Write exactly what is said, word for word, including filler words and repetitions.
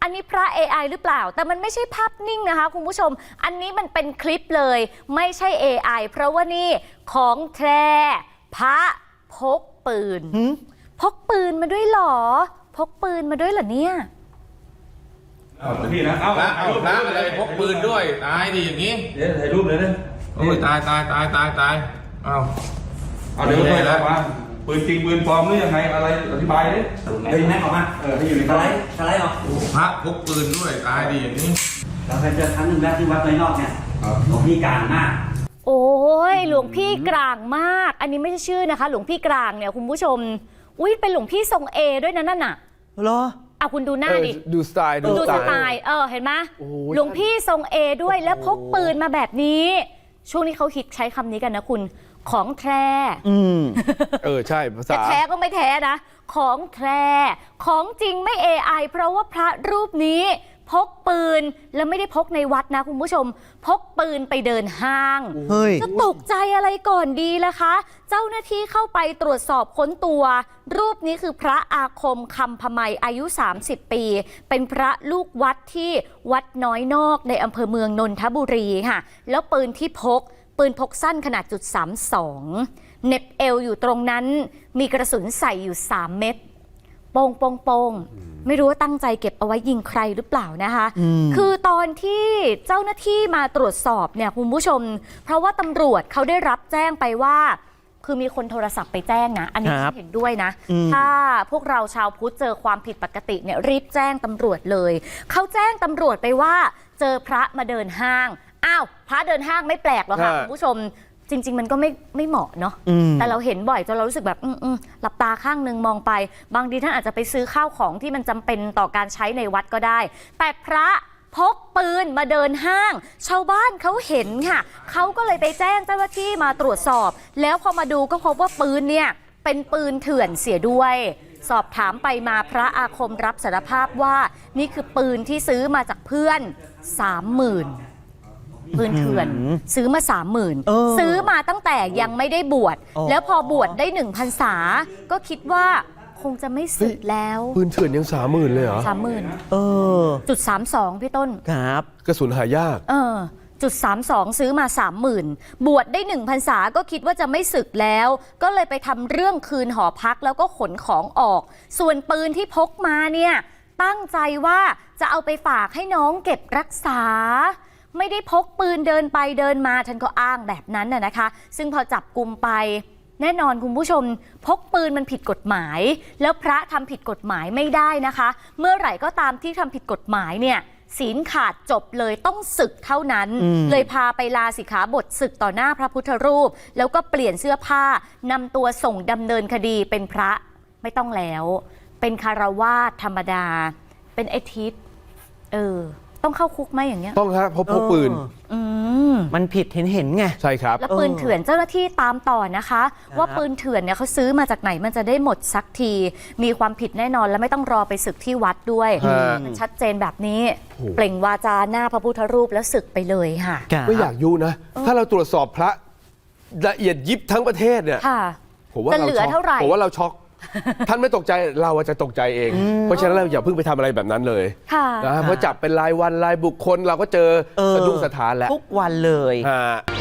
อันนี้พระ เอ ไอ หรือเปล่าแต่มันไม่ใช่ภาพนิ่งนะคะคุณผู้ชมอันนี้มันเป็นคลิปเลยไม่ใช่ เอ ไอ เพราะว่านี่ของแท้พระพกปืนพกปืนมาด้วยหรอพกปืนมาด้วยเหรอเนี่ยเอาพี่นะเอาพระเอาพระอะไรพกปืนด้วยตายดิอย่างนี้เดี๋ยวถ่ายรูปเลยนะโอ้ยตายตายตายตายตายเอาเอาเดี๋ยวเลยแล้วว่าปืนจริงปืนปลอมหรือยังไงอะไรอธิบายดิเฮ้ยแม็กออกมาเออให้อยู่ในสไลด์สไลด์ออกพระพกปืนด้วยตายดิอย่างนี้เราเคยเจอครั้งหนึ่งแล้วที่วัดน้อยนอกเนี่ยหลวงพี่กลางมากโอ้ยหลวงพี่กลางมากอันนี้ไม่ใช่ชื่อนะคะหลวงพี่กลางเนี่ยคุณผู้ชมอุ้ยเป็นหลวงพี่ทรงเอด้วยนะนั่นน่ะเหรอเอาคุณดูหน้าดิดูสไตล์ดูสไตล์เออเห็นไหมหลวงพี่ทรงเอด้วยแล้วพกปืนมาแบบนี้ช่วงนี้เขาฮิตใช้คำนี้กันนะคุณของแท้อืมเออใช่ภาษาแท้ก็ไม่แท้นะของแท้ของจริงไม่ เอ ไอ เพราะว่าพระรูปนี้พกปืนแล้วไม่ได้พกในวัดนะคุณผู้ชมพกปืนไปเดินห้างจะตกใจอะไรก่อนดีล่ะคะเจ้าหน้าที่เข้าไปตรวจสอบค้นตัวรูปนี้คือพระอาคมคำพมัยอายุสามสิบปีเป็นพระลูกวัดที่วัดน้อยนอกในอำเภอเมืองนนทบุรีค่ะแล้วปืนที่พกปืนพกสั้นขนาดจุดสามสองเน็บเอวอยู่ตรงนั้นมีกระสุนใส่อยู่สามเม็ดโป่งโป่งโป่งไม่รู้ว่าตั้งใจเก็บเอาไว้ยิงใครหรือเปล่านะคะคือตอนที่เจ้าหน้าที่มาตรวจสอบเนี่ยคุณผู้ชมเพราะว่าตำรวจเขาได้รับแจ้งไปว่าคือมีคนโทรศัพท์ไปแจ้งนะอันนี้ฉันเห็นด้วยนะถ้าพวกเราชาวพุทธเจอความผิดปกติเนี่ยรีบแจ้งตำรวจเลยเขาแจ้งตำรวจไปว่าเจอพระมาเดินห้างอ้าวพระเดินห้างไม่แปลกหรอกค่ะคุณผู้ชมจริงๆมันก็ไม่ไม่เหมาะเนาะแต่เราเห็นบ่อยจนเรารู้สึกแบบอืมหลับตาข้างนึงมองไปบางทีท่านอาจจะไปซื้อข้าวของที่มันจำเป็นต่อการใช้ในวัดก็ได้แต่พระพกปืนมาเดินห้างชาวบ้านเขาเห็นค่ะเขาก็เลยไปแจ้งเจ้าหน้าที่มาตรวจสอบแล้วพอมาดูก็พบว่าปืนเนี่ยเป็นปืนเถื่อนเสียด้วยสอบถามไปมาพระอาคมรับสารภาพว่านี่คือปืนที่ซื้อมาจากเพื่อนสามหมื่นปืนเถื่อนซื้อมาสามหมื่นซื้อมาตั้งแต่ยังไม่ได้บวชแล้วพอบวชได้หนึ่งพรรษาก็คิดว่าคงจะไม่สึกแล้วปืนเถื่อนยังสามหมื่นเลยเหรอสามหมื่นเออจุดสามสองพี่ต้นครับกระสุนหายากเออจุดสามสองซื้อมาสามหมื่นบวชได้หนึ่งพรรษาก็คิดว่าจะไม่สึกแล้วก็เลยไปทำเรื่องคืนหอพักแล้วก็ขนของออกส่วนปืนที่พกมาเนี่ยตั้งใจว่าจะเอาไปฝากให้น้องเก็บรักษาไม่ได้พกปืนเดินไปเดินมาท่านก็อ้างแบบนั้นน่ะนะคะซึ่งพอจับกุมไปแน่นอนคุณผู้ชมพกปืนมันผิดกฎหมายแล้วพระทำผิดกฎหมายไม่ได้นะคะเมื่อไหร่ก็ตามที่ทำผิดกฎหมายเนี่ยศีลขาดจบเลยต้องสึกเท่านั้นเลยพาไปลาสิกขาบทสึกต่อหน้าพระพุทธรูปแล้วก็เปลี่ยนเสื้อผ้านำตัวส่งดำเนินคดีเป็นพระไม่ต้องแล้วเป็นคารวาสธรรมดาเป็นไอทิศเออต้องเข้าคุกไหมอย่างเงี้ยต้องครับเพราะพกปืนมันผิดเห็นเห็นไงใช่ครับแล้วปืนเถื่อนเจ้าหน้าที่ตามต่อนะคะว่าปืนเถื่อนเนี่ยเขาซื้อมาจากไหนมันจะได้หมดสักทีมีความผิดแน่นอนและไม่ต้องรอไปศึกที่วัดด้วยมันชัดเจนแบบนี้เปล่งวาจาหน้าพระพุทธรูปแล้วศึกไปเลยค่ะไม่อยากยุนะถ้าเราตรวจสอบพระละเอียดยิบทั้งประเทศเนี่ยผมว่าเราช็อกผมว่าเราช็อกท่านไม่ตกใจเราจะตกใจเองเพราะฉะนั้นเราอย่าเพิ่งไปทำอะไรแบบนั้นเลยนะเพราะจับเป็นรายวันรายบุคคลเราก็เจอสะดุ้งสะท้านแล้วทุกวันเลย